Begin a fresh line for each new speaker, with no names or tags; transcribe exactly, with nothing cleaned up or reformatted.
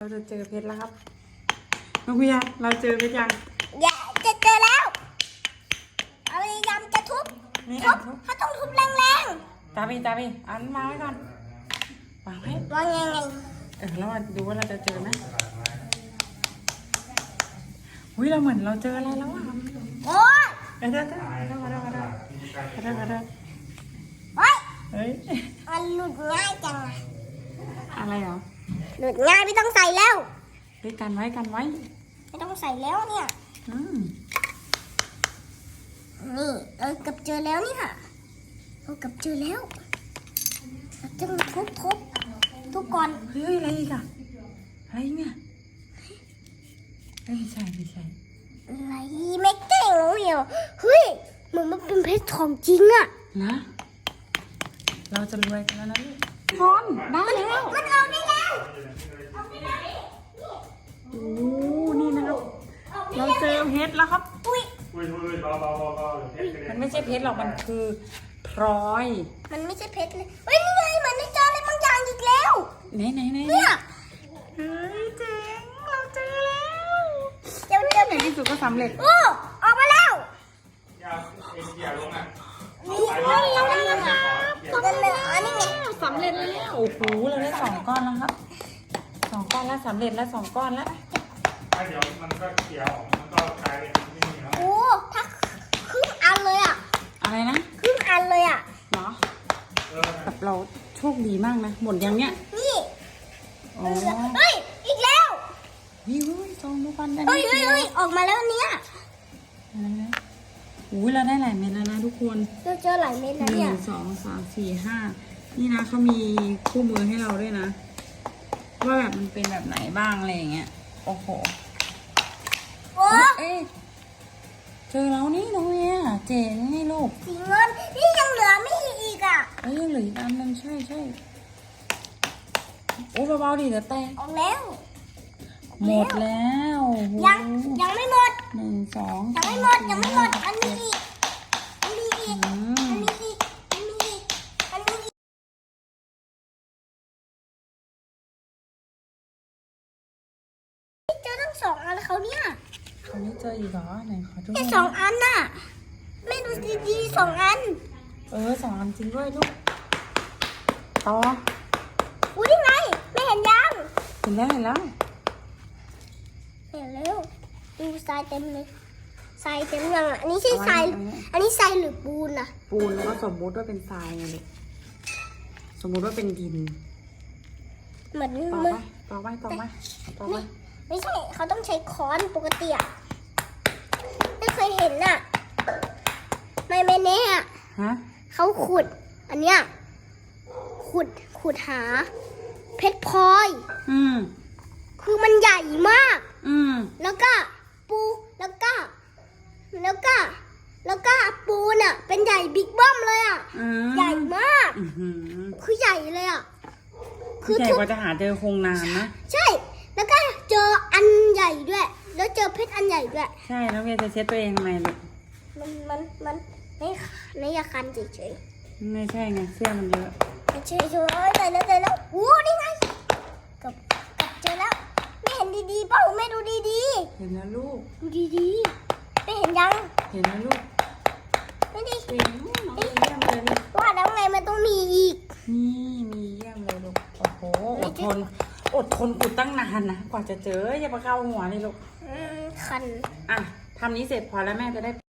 เราจะเจอเพชรแล้วครับน้องเวียเราเจอเพชรยัง
อย่าจะเจอแล้วเอาพยายามจะทุบทุบเขาต้องทุบแรง
ๆตาบีตาบีอันวางไว้ก่อนวางไว้
วางยังไง
เออแล้วดูว่าเราจะเจอไหมอุ้ยเราเหมือนเราเจออะไรแล้วอ่ะ
โอ้ย
เดี๋ยวเดี๋ยวเดี๋ยวเดี๋ยวเดี๋ยวเดี๋ยวเดี๋ยวเดี๋ยว
เฮ้ย
เฮ้ย
มันหลุดง่ายจัง
อะไรเหรอ
หลุดง่ายไม่ต้องใส่แล้ว
เฮ้ยกันไว้กันไว้
ไม่ต้องใส่แล้วเนี่ย
อืม
นี่เออกับเจอแล้วนี่ค่ะเออกับเจอแล้วจะมาทุบทุบทุบก่อน
เฮ้ยอะไรอีกอะอะไรเนี่ยไม่ใช่ไม่ใช่
อะไรไม่เก่งเลยเหรอเฮ้ยเหมือนมันเป็นเพชรทองจริงอะ
นะเราจะรวยกันแล้วนะลูกพอนได้แล้ว
มันเอาได้แล้วเอาได้แล้ว
โอ้นี่นะครับเราเจอเพชรแล้วครับ
อุ้ย
อุ้ยอุ้ยเบาเบาเบาเบา
มันไม่ใช่เพชรหรอกมันคือพลอย
มันไม่ใช่เพชรเลยเฮ้ยนี่ไงมันได้เจออะไรบางอย่างอีกแล้ว
ไหนไหนไหน
เนี่ย
เฮ้ยเจ๋งเราเจอแล้ว
เดี๋ยวเดี๋ยว
ในที่สุดก็สำเร็จ
โอ้ออกมาแล้ว
ยาเอ็นเกียร์ลงอ่ะ
นี่เราได้แล้วครับสำเร็จแล้วอันนี้ไง
สำเร็จแล้วโอ้โหเราได้สองก้อนแล้วครับสองก้อนแล้วสำเร็จแล้วสองก้อนแล้ว
ถ้าเดี๋ยวมันก็เกียร์ออกมันก็กลายเป็นไม่มีแล้ว
โอ้ถ้าครึ่งอันเลยอ่ะ
อะไรนะ
ครึ่งอันเลยอ่ะ
เนาะแบบเราโชคดีมากนะหมดยังเนี้ย
นี่
โอ้
เฮ้ยอีกแล้ว
วิวซองดูกันได้
เฮ้ยเฮ้ยเฮ้ยออกมาแล้วเนี้ย
อะไรนะอุ้ยเราได้หลายเม็ดแล้วนะทุกคน
เราเจอหลายเม็ดแล้ว
ห
เนี่ย
นึ่งสองสามสี่ห้านี่นะเขามีคู่มือให้เราด้วยนะว่าแบบมันเป็นแบบไหนบ้างอะไรอย่างเงี้ยโอ้โห
โอ้
เอ๊ะเจอแล้วนี่น้องเมียเจ๋งนี่ลูก
สีเงินนี่ยังเหลือไม่อีกอ่ะ
เอ้ยยังเหลืออีกอันนึงใช่ใช่โอ้เบาๆดิเดี๋ยวแตก
ออกแล้ว
หมดแล้ว
ยังยังไม่หมด
หนึ่งสอง
ยังไม่หมดยังไม่หมดอันนี้อีกอันนี้อีกอันนี้อีกอันนี้อีกอันนี้อีกเจอทั้งสองอันเขาเนี่ย
เขาไม่เจออีกเหรอไหนขอดู
แค่สองอันน่ะไม่ดูดีๆสองอัน
เออสองอันจริงด้วยลูกต่อ
อุ้ยนี่ไงไม่เห็นยัง
เห็นแล้วเห็นแล้ว
เห็นแล้วดูทรายเต็มเลยทรายเต็มยังอ่ะอันนี้ใช่ทรายอันนี้ทรายหรือปูนอ่ะ
ปูนแล้วก็สมมติว่าเป็นทรายไงลูกสมมติว่าเป็นดิน
เหมือน
ต่อไปต่อไปต่อไปต่อไป
ไม่ใช่เขาต้องใช้ค้อนปกติอ่ะไม่เคยเห็นน่ะไม่แม่เน่ะ
ฮะ
เขาขุดอันเนี้ยขุดขุดหาเพชรพลอย
อืม
คือมันใหญ่มาก
อืม
แล้วก็ปูแล้วก็แล้วก็แล้วก็ปูน่ะเป็นใหญ่บิ๊กบ้อมเลยอ่ะใหญ่มากคือใหญ่เลยอ่ะ
คือใหญ่กว่าจะหาเจอคงนานนะ
ใช่แล้วก็เจออันใหญ่ด้วยแล้วเจอเพชรอันใหญ่ด้วย
ใช่แล้วเวียจะเช็ดตัวเองทำไมลูก
มันมันมันไม่ไม่ยาคันเฉย
ๆไม่ใช่ไงเสื้อมันเยอะ
ไม่ใช่เฉยๆเจอแล้วเจอแล้วโอ้นี่ไงกับกับเจอแล้วไม่เห็นดีๆเปล่าไม่ดูดี
ๆเห็นแล้วลูก
ดูดีๆไม่เห็นยัง
เห็นแล้วลูก
ไม่ดี
เห็นน้องเยี่ยมเลยลูก
ว่าแล้วไงมันต้องมีอีก
นี่มีเยี่ยมเลยลูกโอ้โหอดทนอดทนอุดตั้งนานนะกว่าจะเจออย่ามาเข้าหัวเลยลูก
คัน
อ่ะทำนี้เสร็จพอแล้วแม่จะได้